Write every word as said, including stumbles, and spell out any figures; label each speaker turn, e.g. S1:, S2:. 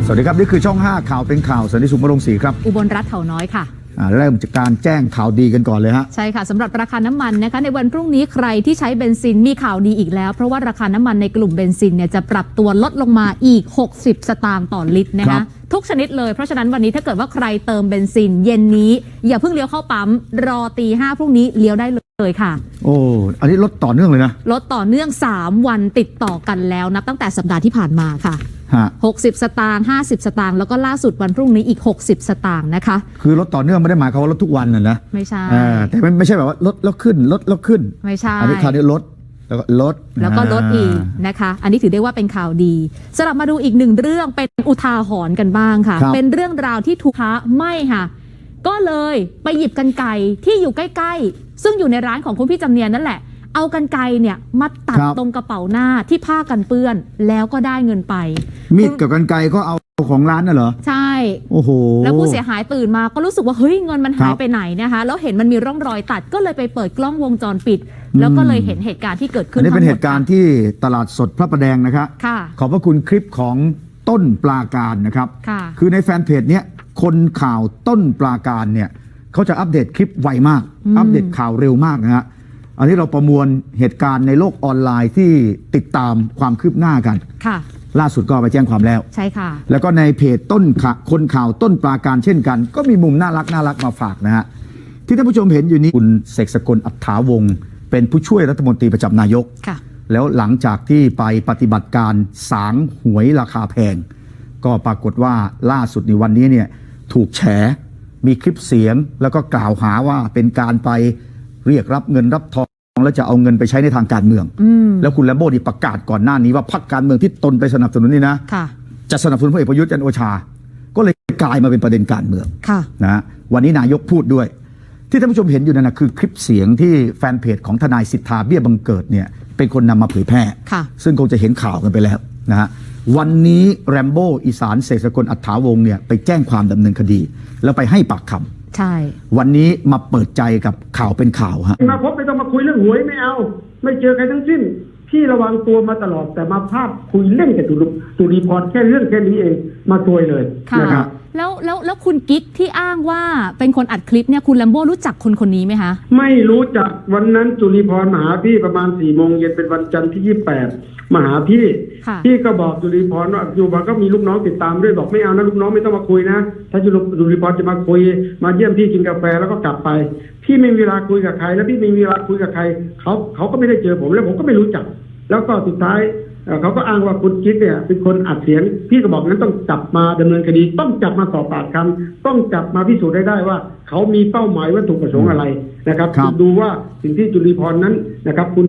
S1: วัสดีครับนี่คือช่องห้าข่าวเป็นข่าวสันติสุขบำรุงศรีครับ
S2: อุบลรัตน์เถาน้อยค่ะ
S1: เริ่มจากการแจ้งข่าวดีกันก่อนเลยฮะ
S2: ใช่ค่ะสำหรับราคาน้ำมันนะคะในวันพรุ่งนี้ใครที่ใช้เบนซินมีข่าวดีอีกแล้วเพราะว่าราคาน้ำมันในกลุ่มเบนซินเนี่ยจะปรับตัวลดลงมาอีกหกสิบสตางค์ต่อลิตรนะคะทุกชนิดเลยเพราะฉะนั้นวันนี้ถ้าเกิดว่าใครเติมเบนซินเย็นนี้อย่าเพิ่งเลี้ยวเข้าปั๊มรอตีห้าพรุ่งนี้เลี้ยวได้เลยค่ะ
S1: โอ้อันนี้ลดต่อเนื่องเลยนะ
S2: ลดต่อเนื่องสามวันติดต่อกันแล้วนับตั้งแต่สัปดาห์ที่ผ่านมาค่ะหกสิบสตางค์ห้าสิบสตางค์แล้วก็ล่าสุดวันพรุ่งนี้อีกหกสิบสตางค์นะคะ
S1: คือลดต่อเนื่องไม่ได้หมายความว่าลดทุกวันนะนะ
S2: ไม่ใช่
S1: แต่ไม่ไม่ใช่แบบว่าลดแล้วขึ้นลดแล้วขึ้น
S2: ไม่ใช่
S1: อันนี้คราวนี้ลดแล้วก็ลด
S2: แล้วก็ลดอีกนะคะอันนี้ถือได้ว่าเป็นข่าวดีสำหรับมาดูอีกหนึ่งเรื่องเป็นอุทาหรณ์กันบ้างค่ะเป็นเรื่องราวที่ถูกค้าไม่ค่ะก็เลยไปหยิบกรรไกรที่อยู่ใกล้ๆซึ่งอยู่ในร้านของคุณพี่จำเนียนนั่นแหละเอากรรไกรเนี่ยมาตัดตรงกระเป๋าหน้าที่ผ้ากันเปื้อนแล้วก็ได้เงินไป
S1: มีดกับกรรไกรก็เอาของร้านน่ะเหรอ
S2: ใช่
S1: โอ้โห
S2: แล้วผู้เสียหายตื่นมาก็รู้สึกว่าเฮ้ยเงินมันหายไปไหนนะคะแล้วเห็นมันมีร่องรอยตัดก็เลยไปเปิดกล้องวงจรปิดแล้วก็เลยเห็นเหตุการณ์ที่เกิดขึ้น
S1: อันนี้เป็นเหตุการณ์ที่ตลาดสดพระประแดงนะครับขอบพระคุณคลิปของต้นปลาการนะครับคือในแฟนเพจเนี้ยคนข่าวต้นปลาการเนี่ยเขาจะอัปเดตคลิปไวมากอัปเดตข่าวเร็วมากนะฮะอันนี้เราประมวลเหตุการณ์ในโลกออนไลน์ที่ติดตามความคืบหน้ากัน
S2: ค่ะ
S1: ล่าสุดก็ไปแจ้งความแล้ว
S2: ใช่ค่ะ
S1: แล้วก็ในเพจต้นคนข่าวต้นปลาการเช่นกันก็มีมุมน่ารักน่ารักมาฝากนะฮะที่ท่านผู้ชมเห็นอยู่นี้คุณเสกสกลอัฏฐาวงศ์เป็นผู้ช่วยรัฐมนตรีประจำนายก
S2: ค่ะ
S1: แล้วหลังจากที่ไปปฏิบัติการสางหวยราคาแพงก็ปรากฏว่าล่าสุดในวันนี้เนี่ยถูกแฉมีคลิปเสียงแล้วก็กล่าวหาว่าเป็นการไปเรียกรับเงินรับทองแล้วจะเอาเงินไปใช้ในทางการเมืองแล้วคุณแลมโบ้นี่ประกาศก่อนหน้านี้ว่าพรรคการเมืองที่ตนไปสนับสนุนนี่นะจะสนับสนุนพลเอกประยุทธ์จันทร์โอชาก็เลยกลายมาเป็นประเด็นการเมืองนะวันนี้นายกพูดด้วยที่ท่านผู้ชมเห็นอยู่นั่นนะคือคลิปเสียงที่แฟนเพจของทนายสิทธาเบี้ยบังเกิดเนี่ยเป็นคนนำมาเผยแพร่ซึ่งคงจะเห็นข่าวกันไปแล้วนะฮะวันนี้แรมโบ้อีสานเสกสกลอัฏฐาวงศ์เนี่ยไปแจ้งความดำเนินคดีแล้วไปให้ปากคำ
S2: ใช่
S1: วันนี้มาเปิดใจกับข่าวเป็นข่าวฮะ
S3: มาพบไม่ต้องมาคุยเรื่องหวยไม่เอาไม่เจอใครทั้งสิ้นพี่ระวังตัวมาตลอดแต่มาภาพคุยเล่นกับตุตุรีพรแค่เรื่องแค่นี้เองมาซวยเลยนะครับ
S2: แล้วแล้วแล้วคุณกิ๊กที่อ้างว่าเป็นคนอัดคลิปเนี่ยคุณแลมโบ้รู้จักคนคนนี้ไหมคะ
S3: ไม่รู้จักวันนั้นจุลีพรมาหาพี่ประมาณสี่โมงเย็นเป็นวันจันทร์ที่ยี่สิบแปดมาหาพี่พี่ก็บอกจุลีพรว่าจุลีพรก็มีลูกน้องติดตามด้วยบอกไม่เอานะลูกน้องไม่ต้องมาคุยนะถ้าจุลีพรจะมาคุยมาเยี่ยมพี่กินกาแฟแล้วก็กลับไปพี่ไม่มีเวลาคุยกับใครแล้วพี่ไม่มีเวลาคุยกับใครเขาเขาก็ไม่ได้เจอผมแล้วผมก็ไม่รู้จักแล้วก็สุดท้ายเขาก็อ้างว่าคุณกิ๊กเนี่ยเป็นคนอัดเสียงพี่ก็บอกนั้นต้องจับมาดำเนินคดีต้องจับมาสอบปากคำต้องจับมาพิสูจน์ได้ได้ว่าเขามีเป้าหมายวัตถุประสงค์อะไรนะครับดูว่าสิ่งที่จุลีพรนั้นนะครับคุณ